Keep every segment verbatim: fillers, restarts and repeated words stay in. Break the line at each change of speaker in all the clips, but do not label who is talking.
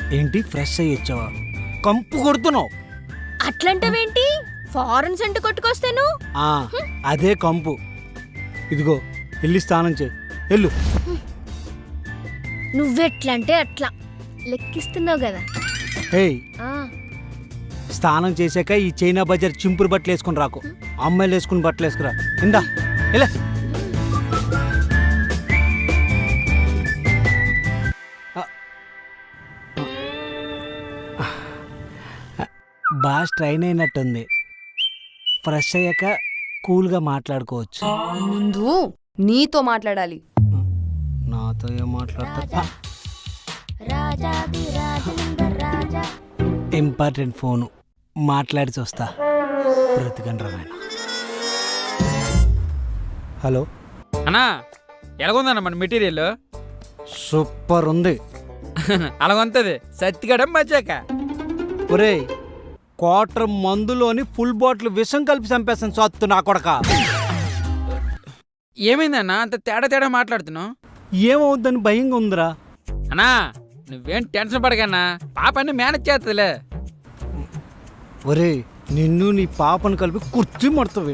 ఏంటి ఫ్రెష్ అయ్యి వచ్చావా? కంపు కొడుతున్నావు.
అట్లంటావేంటి? ఫారెన్ సెంట్ కొట్టుకొస్తాను.
ఆ, అదే కంపు. ఇదిగో వెళ్ళి స్నానం చేయి, వెళ్ళు.
నువ్వెట్లంటే అట్లా లెక్కిస్తున్నావు కదా.
ఏయ్,
ఆ,
స్నానం చేశాక ఈ చైనా బజార్ చింపురు బట్టలు వేసుకుని రాకు. అమ్మాయిలు వేసుకుని బట్టలు వేసుకురా. ఇందా ఇలా బాగా స్ట్రైన్ అయినట్టుంది. ఫ్రెష్ అయ్యాక కూల్గా మాట్లాడుకోవచ్చు.
ముందు నీతో మాట్లాడాలి.
నాతో ఏం మాట్లాడతా? ఇంపార్టెంట్ ఫోను, మాట్లాడి చూస్తా. బ్రతికండి రామాయణ. హలో
అన్నా, ఎలాగుందన్న మన మెటీరియల్?
సూపర్ ఉంది.
అలాగుంటది సత్తిగడం మచ్చాక.
ఒరే, క్వార్టర్ మందులోని ఫుల్ బాటిల్ విషం కలిపి చంపేస్తాను సత్తు నా కొడక.
ఏమైందన్నా అంత తేడా తేడా మాట్లాడుతున్నావు?
ఏమవుద్దని భయంగా ఉందిరా.
అన్నా నువ్వేం టెన్షన్ పడకన్నా, పాప అన్ని మేనేజ్ చేస్తుందిలే.
ఒరే, నిన్ను నీ పాపను కలిపి కుర్చీ మడతావు.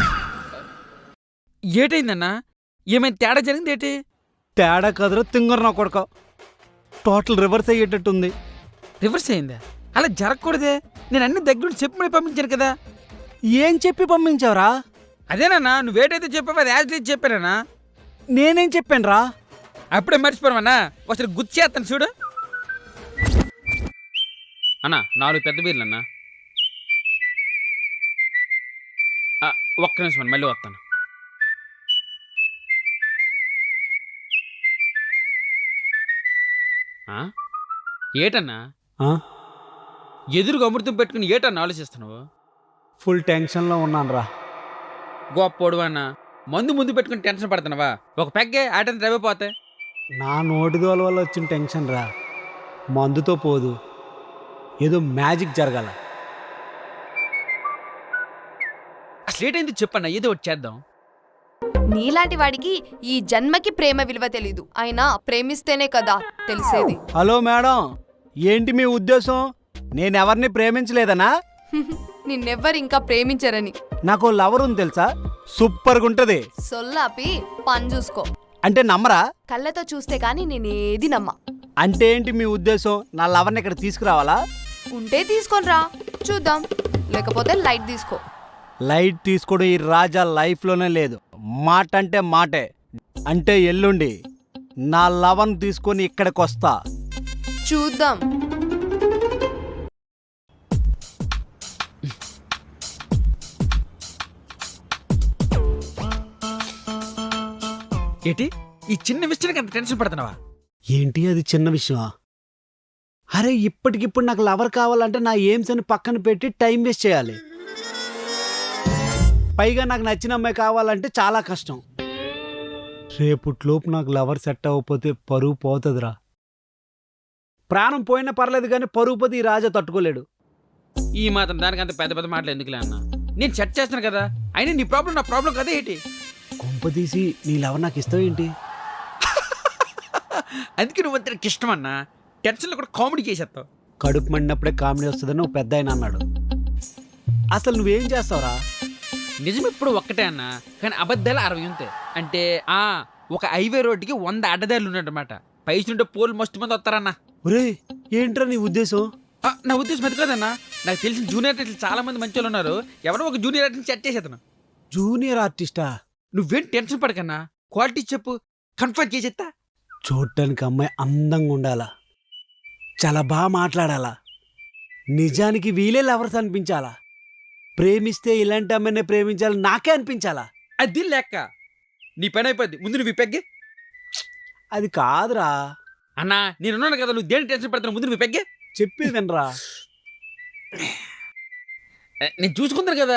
ఏటైందన్నా? ఏమైనా తేడా జరిగింది ఏంటి?
తేడా కదరా తింగరు నా కొడక. Total reverse అయ్యేటట్టుంది.
రివర్స్ అయిందా? అలా జరగకూడదే. నేను అన్ని దగ్గరుండి చెప్పి మళ్ళీ పంపించాను కదా.
ఏం చెప్పి పంపించావురా?
అదేనన్నా, నువ్వేటైతే చెప్పావు అది యాజ్ లీజ్ చెప్పానన్నా.
నేనేం చెప్పాను రా?
అప్పుడే మర్చిపోయామన్నా. ఒకసారి గుర్తు చేస్తాను చూడు. అన్నా నాలుగు పెద్ద బీర్లు అన్నా. ఒక్క నిమిషం మళ్ళీ వస్తాను. ఏటన్నా ఎదురుగా అమృతం పెట్టుకుని ఏటన్నా ఆలోచిస్తున్నావు?
ఫుల్ టెన్షన్లో ఉన్నాను రా.
గొప్పోడు అన్న, మందు ముందు పెట్టుకుని టెన్షన్ పడుతున్నావా? ఒక పెగ్గే ఆటని డ్రైవ్.
నా నోటిదోల వల్ల వచ్చిన టెన్షన్ రా, మందుతో పోదు. ఏదో మ్యాజిక్ జరగాల.
అసలు ఏటైంది చెప్పన్నా, ఏదో ఒకటి చేద్దాం.
నీలాంటి వాడికి ఈ జన్మకి ప్రేమ విలువ తెలీదు. అయినా ప్రేమిస్తేనే కదా తెలిసేది.
హలో మేడం, ఏంటి మీ ఉద్దేశం? నేనెవరిని ప్రేమించలేదనా?
నిన్నెవ్వరు ఇంకా ప్రేమించరని.
నాకు లవర్ ఉంది తెలుసా, సూపర్గా ఉంటది.
సొల్లాపి పని చూసుకో.
అంటే నమ్మరా?
కళ్ళతో చూస్తే గాని నేనేది నమ్మ.
అంటే ఏంటి మీ ఉద్దేశం? నా లవర్ని ఇక్కడ తీసుకురావాలా?
ఉంటే తీసుకొని రా చూద్దాం, లేకపోతే లైట్ తీసుకో.
లైట్ తీసుకోవడం ఈ రాజా లైఫ్లోనే లేదు. మాట అంటే మాటే. అంటే ఎల్లుండి నా లవర్ని తీసుకొని ఇక్కడికి వస్తా.
చూద్దాం.
ఏంటి ఈ చిన్న విషయానికి అంత టెన్షన్ పడుతున్నావా?
ఏంటి అది చిన్న విషయమా? అరే, ఇప్పటికిప్పుడు నాకు లవర్ కావాలంటే నా ఎయిమ్స్ అని పక్కన పెట్టి టైం వేస్ట్ చేయాలి. పైగా నాకు నచ్చిన అమ్మాయి కావాలంటే చాలా కష్టం. రేపుట్లోపు నాకు లవర్ సెట్ అవ్వకపోతే పరువు పోతుందిరా. ప్రాణం పోయినా పర్లేదు కానీ పరువు పోతే ఈ రాజా తట్టుకోలేడు.
ఈ మాత్రం దానికి అంత పెద్ద పెద్ద మాటలు ఎందుకులే అన్న? నేను సెట్ చేస్తాను కదా. అయినా నీ ప్రాబ్లం నా ప్రాబ్లం కదా ఏంటి?
కొంప తీసి నీ లవర్ నాకు ఇష్టం ఏంటి?
అందుకే నువ్వు అంతకి ఇష్టం అన్నా. టెన్షన్లో కూడా కామెడీ చేసేస్తావు.
కడుపు మండినప్పుడే కామెడీ వస్తుందని ఒక పెద్ద ఆయన అన్నాడు. అసలు నువ్వేం చేస్తావురా?
నిజం ఎప్పుడు ఒక్కటే అన్నా, కానీ అబద్ధాలు అరవై ఉంటాయి. అంటే ఆ ఒక హైవే రోడ్డుకి వంద అడ్డదారులు ఉన్నట్టమాట. పైసుంటే పోలు మస్తు మంది వస్తారన్నా.
ఒరే, ఏంట్రా నీ ఉద్దేశం?
నా ఉద్దేశం అది కాదన్నా. నాకు తెలిసిన జూనియర్ ఆర్టిస్టులు చాలా మంది మంచి వాళ్ళు ఉన్నారు. ఎవరో ఒక జూనియర్ ఆర్టిస్ట్ సెట్ చేసేతను.
జూనియర్ ఆర్టిస్టా?
నువ్వేం టెన్షన్ పడకన్నా, క్వాలిటీ చెప్పు, కన్ఫర్మ్ చేసేస్తా.
చూడటానికి అమ్మాయి అందంగా ఉండాలా, చాలా బాగా మాట్లాడాలా, నిజానికి వీలే లవర్స్ అనిపించాలా, ప్రేమిస్తే ఇలాంటి అమ్మాయినే ప్రేమించాలి నాకే అనిపించాలా.
అది లెక్క. నీ పని అయిపోద్ది, ముందు నువ్వు పెగ్గే.
అది కాదురా
అన్నా, నేనున్నాను కదా, నువ్వు దేని టెన్షన్ పడతాను. ముందు నువ్వు పెగ్గే.
చెప్పేది వినరా.
నేను చూసుకుంటాను కదా.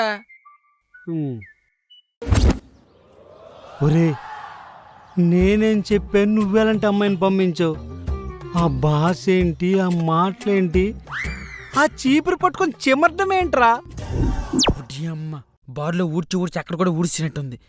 ఒరే, నేనేం చెప్పాను, నువ్వెలాంటి అమ్మాయిని పంపించావు? ఆ భాష ఏంటి, ఆ మాటలేంటి, ఆ చీపురు పట్టుకొని చెమర్డం ఏంట్రా?
అమ్మ బార్లో ఊడ్చి ఊడ్చి అక్కడ కూడా ఊడ్చినట్టుంది.